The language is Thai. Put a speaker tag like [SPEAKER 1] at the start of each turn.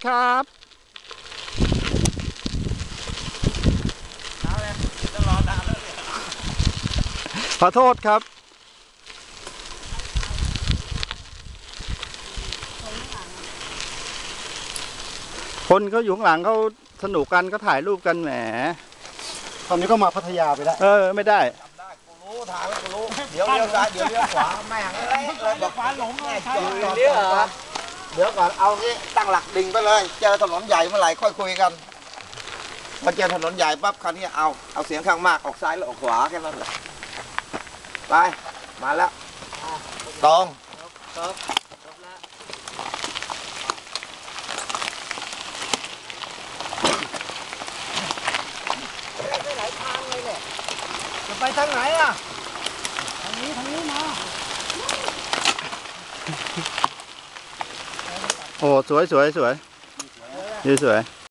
[SPEAKER 1] ครับขอโทษครับคนเขาอยู่ข้างหลังเขาสนุกกันก็ถ่ายรูปกันแหม
[SPEAKER 2] ตอนนี้ก็มาพัทยาไปแล้ว
[SPEAKER 1] ไม่ได้
[SPEAKER 3] กูรู้ทางแล้วกูรู้เดี๋ยวเลี้ยวซ้ายเดี๋ยวเลี้ยวขวาแม่งเลยบอกฟ้าหลงเลยเลี้ยวเดี๋ยวก่อนเอางี้ตั้งหลักดิ่งไปเลยเจอถนนใหญ่เมื่อไหร่ค่อยคุยกันพอเจอถนนใหญ่ปั๊บคราวนี้เอาเสียงข้างมากออกซ้ายหรือออกขวาแค่นั้นแหละไปมาแล้วตรงจะไปทางไหนอ่ะทางนี้มา
[SPEAKER 1] โอ้สวยสวย